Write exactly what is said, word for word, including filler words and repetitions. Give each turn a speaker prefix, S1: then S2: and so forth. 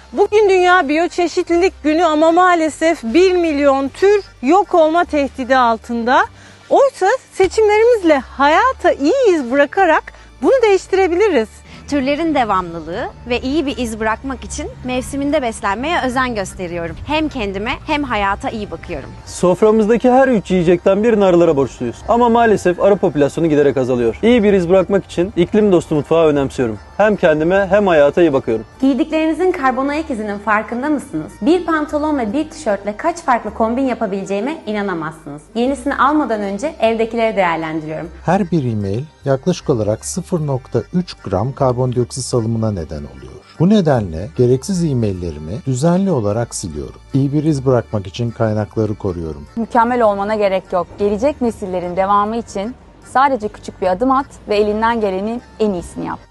S1: Bugün Dünya Biyoçeşitlilik Günü ama maalesef bir milyon tür yok olma tehdidi altında. Oysa seçimlerimizle hayata iyi iz bırakarak bunu değiştirebiliriz.
S2: Türlerin devamlılığı ve iyi bir iz bırakmak için mevsiminde beslenmeye özen gösteriyorum. Hem kendime hem hayata iyi bakıyorum.
S3: Soframızdaki her üç yiyecekten birini arılara borçluyuz. Ama maalesef arı popülasyonu giderek azalıyor. İyi bir iz bırakmak için iklim dostu mutfağı önemsiyorum. Hem kendime hem hayata iyi bakıyorum.
S4: Giydiklerinizin karbon ayak izinin farkında mısınız? Bir pantolon ve bir tişörtle kaç farklı kombin yapabileceğime inanamazsınız. Yenisini almadan önce evdekileri değerlendiriyorum.
S5: Her bir e-mail yaklaşık olarak sıfır nokta üç gram karbondioksit salımına neden oluyor. Bu nedenle gereksiz e-maillerimi düzenli olarak siliyorum. İyi bir iz bırakmak için kaynakları koruyorum.
S6: Mükemmel olmana gerek yok. Gelecek nesillerin devamı için sadece küçük bir adım at ve elinden gelenin en iyisini yap.